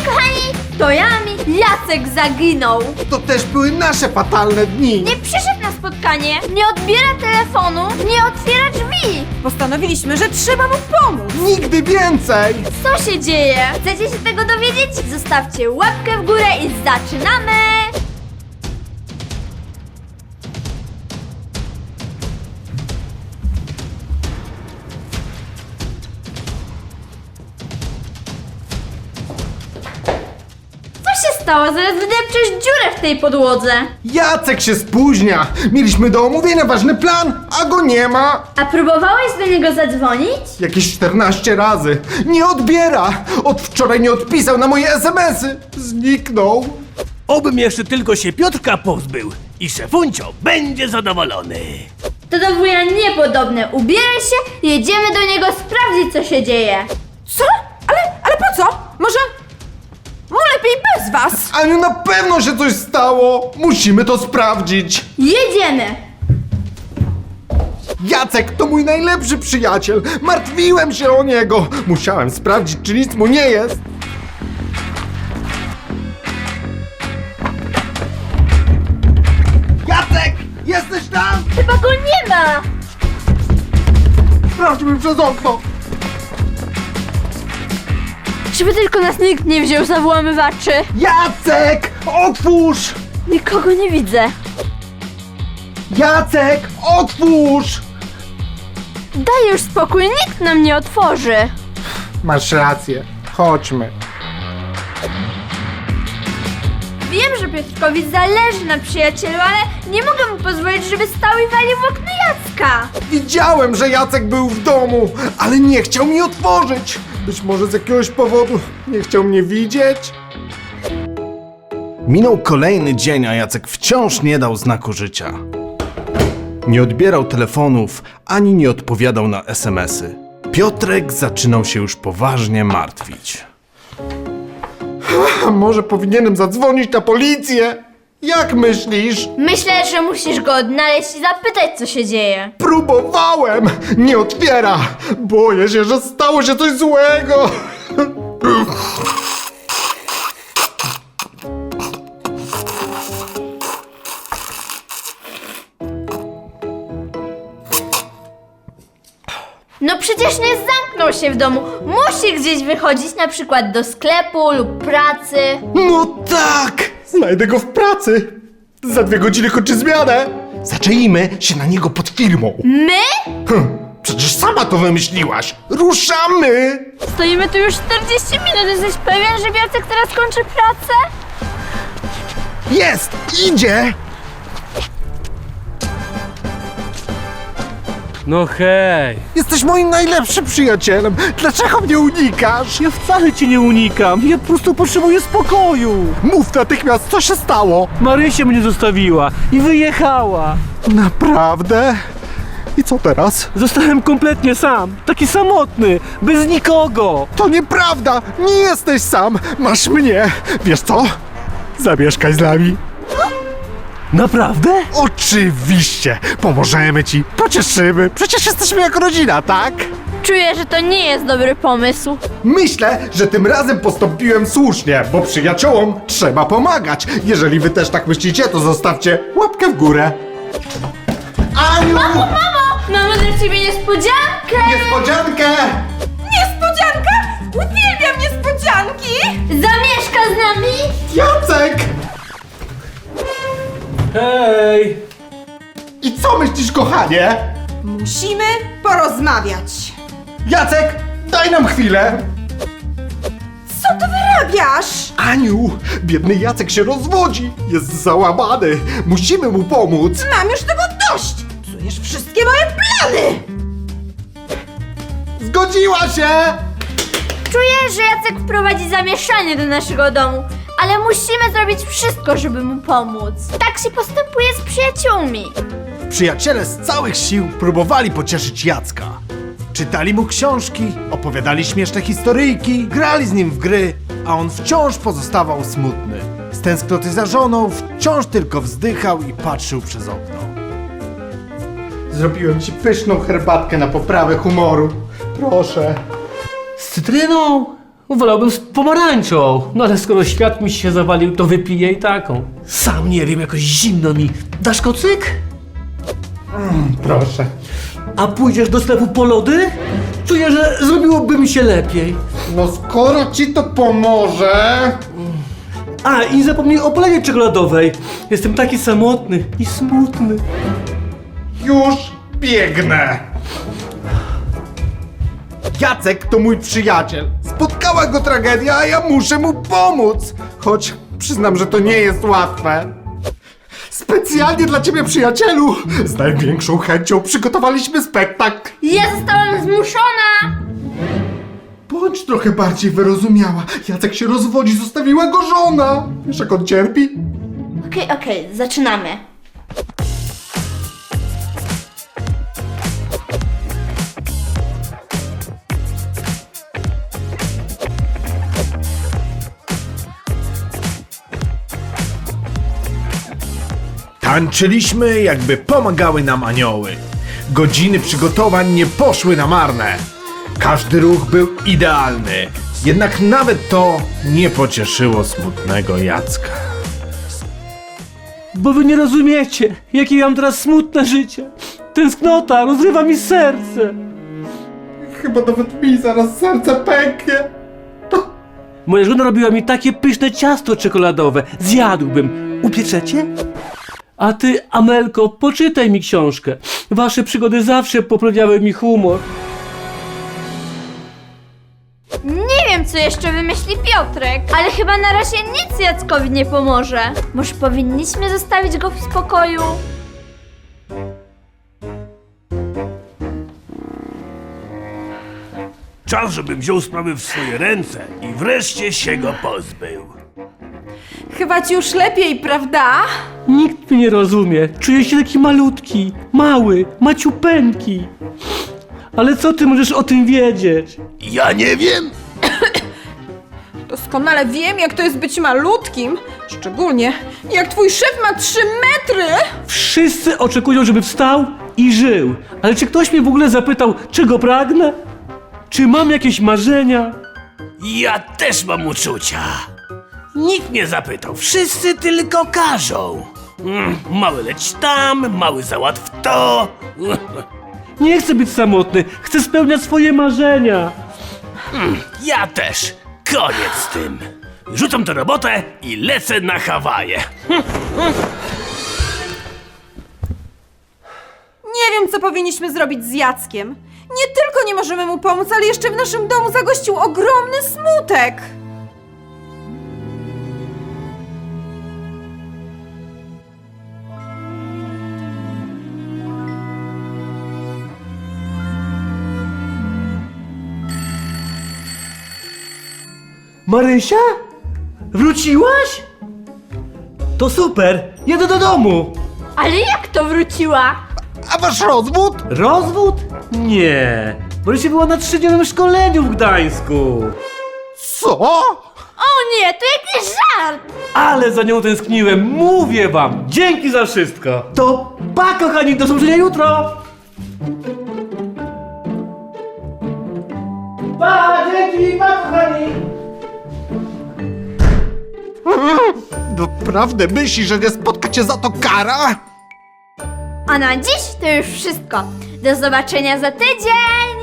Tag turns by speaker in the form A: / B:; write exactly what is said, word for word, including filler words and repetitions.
A: kochani, to Jami, Jacek zaginął.
B: To też były nasze fatalne dni.
A: Nie przyszedł na spotkanie, nie odbiera telefonu, nie otwiera drzwi.
C: Postanowiliśmy, że trzeba mu pomóc.
B: Nigdy więcej.
A: Co się dzieje? Chcecie się tego dowiedzieć? Zostawcie łapkę w górę i zaczynamy! Co się stało? Zaraz wydepczesz dziurę w tej podłodze.
B: Jacek się spóźnia. Mieliśmy do omówienia ważny plan, a go nie ma.
A: A próbowałeś do niego zadzwonić?
B: Jakieś czternaście razy. Nie odbiera. Od wczoraj nie odpisał na moje es em esy. Zniknął.
D: Obym jeszcze tylko się Piotrka pozbył i szefuncio będzie zadowolony.
A: To do wuja niepodobne. Ubieraj się, jedziemy do niego sprawdzić, co się dzieje.
C: Co? Ale, ale po co? Może... mu lepiej bez was.
B: Aniu, na pewno się coś stało. Musimy to sprawdzić.
A: Jedziemy!
B: Jacek to mój najlepszy przyjaciel. Martwiłem się o niego. Musiałem sprawdzić, czy nic mu nie jest. Jacek! Jesteś tam?
A: Chyba go nie ma!
B: Sprawdźmy przez okno.
A: Żeby tylko nas nikt nie wziął za włamywaczy.
B: Jacek! Otwórz!
A: Nikogo nie widzę.
B: Jacek! Otwórz!
A: Daj już spokój, nikt nam nie otworzy.
B: Masz rację. Chodźmy.
A: Wiem, że Piotrkowi zależy na przyjacielu, ale nie mogę mu pozwolić, żeby stał i walił w okno Jacka.
B: Widziałem, że Jacek był w domu, ale nie chciał mi otworzyć. Być może z jakiegoś powodu nie chciał mnie widzieć. Minął kolejny dzień, a Jacek wciąż nie dał znaku życia. Nie odbierał telefonów, ani nie odpowiadał na es em esy. Piotrek zaczynał się już poważnie martwić. A może powinienem zadzwonić na policję? Jak myślisz?
A: Myślę, że musisz go odnaleźć i zapytać, co się dzieje.
B: Próbowałem! Nie otwiera! Boję się, że stało się coś złego!
A: No przecież nie zamknął się w domu. Musi gdzieś wychodzić, na przykład do sklepu lub pracy.
B: No tak! Znajdę go w pracy! Za dwie godziny kończy zmianę! Zaczęjmy się na niego pod firmą!
A: My?
B: Hm, przecież sama to wymyśliłaś! Ruszamy!
A: Stoimy tu już czterdzieści minut. Jesteś pewien, że Jacek teraz kończy pracę?
B: Jest! Idzie!
D: No hej,
B: Jesteś moim najlepszym przyjacielem! Dlaczego mnie unikasz?
D: ja wcale cię nie unikam, ja po prostu potrzebuję spokoju.
B: Mów natychmiast, co się stało!
D: Marysia mnie zostawiła i wyjechała.
B: Naprawdę? I co teraz?
D: Zostałem kompletnie sam, taki samotny, bez nikogo.
B: To nieprawda! Nie jesteś sam! Masz mnie! Wiesz co? Zamieszkaj z nami!
D: Naprawdę?
B: Oczywiście! Pomożemy ci! Pocieszymy! Przecież jesteśmy jak rodzina, tak?
A: Czuję, że to nie jest dobry pomysł.
B: Myślę, że tym razem postąpiłem słusznie, bo przyjaciołom trzeba pomagać. Jeżeli wy też tak myślicie, to zostawcie łapkę w górę. Aniu!
A: Mamo! Mamy dla ciebie niespodziankę!
B: Niespodziankę!
C: Niespodzianka? Uwielbiam niespodzianki!
A: Zamieszka z nami?
B: Jacek!
D: Hej!
B: I co myślisz, kochanie?
C: Musimy porozmawiać.
B: Jacek, daj nam chwilę!
C: Co ty wyrabiasz?
B: Aniu, biedny Jacek się rozwodzi. Jest załamany. Musimy mu pomóc.
C: Mam już tego dość! Psujesz wszystkie moje plany!
B: Zgodziła się!
A: Czuję, że Jacek wprowadzi zamieszanie do naszego domu, ale musimy zrobić wszystko, żeby mu pomóc. Tak się postępuje z przyjaciółmi.
B: Przyjaciele z całych sił próbowali pocieszyć Jacka. Czytali mu książki, opowiadali śmieszne historyjki, grali z nim w gry, a on wciąż pozostawał smutny. Z tęsknoty za żoną wciąż tylko wzdychał i patrzył przez okno. Zrobiłem ci pyszną herbatkę na poprawę humoru. Proszę.
D: Z cytryną?
E: Wolałbym z pomarańczą, no ale skoro świat mi się zawalił, to wypiję i taką. Sam nie wiem, jakoś zimno mi. Dasz kocyk?
B: Proszę.
E: A pójdziesz do sklepu po lody? Czuję, że zrobiłoby mi się lepiej.
B: No skoro ci to pomoże...
E: A, i nie zapomnij o polewie czekoladowej. Jestem taki samotny i smutny.
B: Już biegnę! Jacek to mój przyjaciel. Spotkała go tragedia, a ja muszę mu pomóc. Choć przyznam, że to nie jest łatwe. Specjalnie dla ciebie, przyjacielu, z największą chęcią przygotowaliśmy spektakl.
A: Ja zostałam zmuszona!
B: Bądź trochę bardziej wyrozumiała. Jacek się rozwodzi, zostawiła go żona. Wiesz, jak on cierpi?
A: Okej, okej, zaczynamy.
B: Tańczyliśmy, jakby pomagały nam anioły. Godziny przygotowań nie poszły na marne. Każdy ruch był idealny. Jednak nawet to nie pocieszyło smutnego Jacka.
E: Bo wy nie rozumiecie, jakie ja mam teraz smutne życie. Tęsknota rozrywa mi serce.
B: Chyba nawet mi zaraz serce pęknie.
E: Moja żona robiła mi takie pyszne ciasto czekoladowe. Zjadłbym. Upieczecie? A ty, Amelko, poczytaj mi książkę. Wasze przygody zawsze poprawiały mi humor.
A: Nie wiem, co jeszcze wymyśli Piotrek, ale chyba na razie nic Jackowi nie pomoże. Może powinniśmy zostawić go w spokoju?
D: Czas, żebym wziął sprawy w swoje ręce i wreszcie się go pozbył.
C: Chyba ci już lepiej, prawda?
E: Nikt mnie nie rozumie. Czuję się taki malutki, mały, maciupeńki. Ale co ty możesz o tym wiedzieć?
D: Ja nie wiem.
C: Doskonale wiem, jak to jest być malutkim. Szczególnie, jak twój szef ma trzy metry.
E: Wszyscy oczekują, żeby wstał i żył. Ale czy ktoś mnie w ogóle zapytał, czego pragnę? Czy mam jakieś marzenia?
D: Ja też mam uczucia. Nikt nie zapytał, wszyscy tylko każą. Mm, mały leć tam, mały załatw to.
E: Nie chcę być samotny, chcę spełniać swoje marzenia.
D: Ja też. Koniec z tym. Rzucam tę robotę i lecę na Hawaje.
C: Nie wiem, co powinniśmy zrobić z Jackiem. Nie tylko nie możemy mu pomóc, ale jeszcze w naszym domu zagościł ogromny smutek.
E: Marysia? Wróciłaś? To super, jedę do domu.
A: Ale jak to wróciła?
B: A wasz rozwód?
E: Rozwód? Nie. Marysia była na trzydniowym szkoleniu w Gdańsku.
B: Co?
A: O nie, to jakiś żart!
E: Ale za nią tęskniłem, mówię wam. Dzięki za wszystko. To pa, kochani, do zobaczenia jutro. Pa, dzięki, pa, kochani.
B: Naprawdę myślisz, że nie spotka cię za to kara?
A: A na dziś to już wszystko. Do zobaczenia za tydzień!